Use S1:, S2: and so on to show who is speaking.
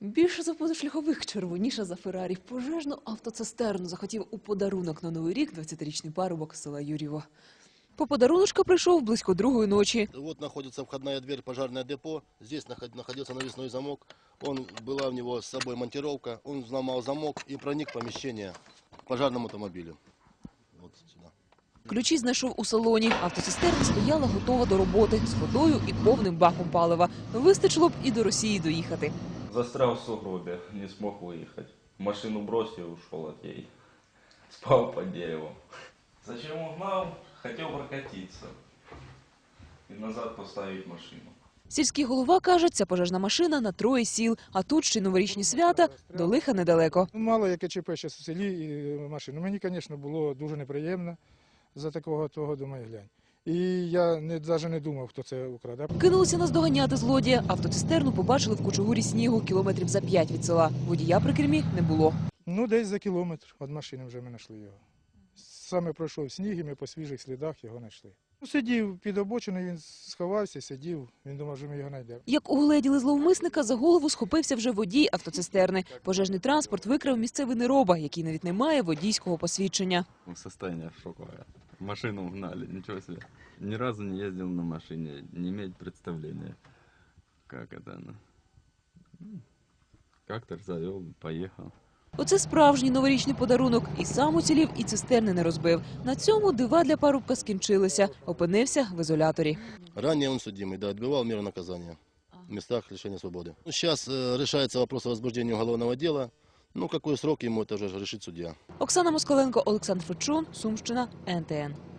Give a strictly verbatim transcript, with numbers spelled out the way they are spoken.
S1: Більше за позашляхових, червоніша за Феррарі. Пожежну автоцистерну захотів у подарунок на Новий рік двадцятирічний парубок з села Юр'єво. По подаруночка прийшов близько другої ночі.
S2: Вот находится входная дверь, пожарное депо. Здесь находился навесной замок. Он, была у него с собой монтировка. Он взломал замок и проник в помещение к пожарному автомобилю. Вот сюда.
S1: Ключі знайшов у салоні. Автоцистерна стояла готова до роботи з водою і повним баком палива. Вистачило б і до Росії доїхати.
S3: Застрял в сугробе, не смог выехать. Машину бросил и ушел от ей. Спал под деревом. Зачем угнал? Хотел прокатиться. И назад поставить машину.
S1: Сільський голова каже, ця пожежна машина на троє сіл, а тут ще й новорічні свята, до лиха недалеко.
S4: Мало яке ЧП ще в селі і машину. Мені, звісно, було дуже неприємно за такого того, думаю, глянь. І я навіть не думав, хто це украде.
S1: Кинулися наздоганяти злодія. Автоцистерну побачили в кучугурі снігу кілометрів за п'ять від села. Водія при кермі не було.
S4: Ну, десь за кілометр від машини вже ми знайшли його. Саме пройшов сніг, і ми по свіжих слідах його знайшли. Ну, сидів під обочиною, він сховався, сидів, він думав, що ми його знайдемо.
S1: Як угледіли зловмисника, за голову схопився вже водій автоцистерни. Пожежний транспорт викрав місцевий нероба, який навіть не має водійського посвідчення.
S5: Состояние шоковое. Машину угнали, ничего себе. Ни разу не ездил на машине, не имеет представления, как это она. Как-то завел, поехал.
S1: Оце справжній новорічний подарунок. І сам уцілів, і цистерни не розбив. На цьому дива для парубка скінчилися. Опинився в ізоляторі.
S2: Ранее он судимый, да, отбывал меру наказания в местах лишения свободы. Сейчас э, решается вопрос о возбуждении уголовного дела. Ну, какой срок ему это уже решит судья.
S1: Оксана Москаленко, Олександр Фечун, Сумщина, ен те ен.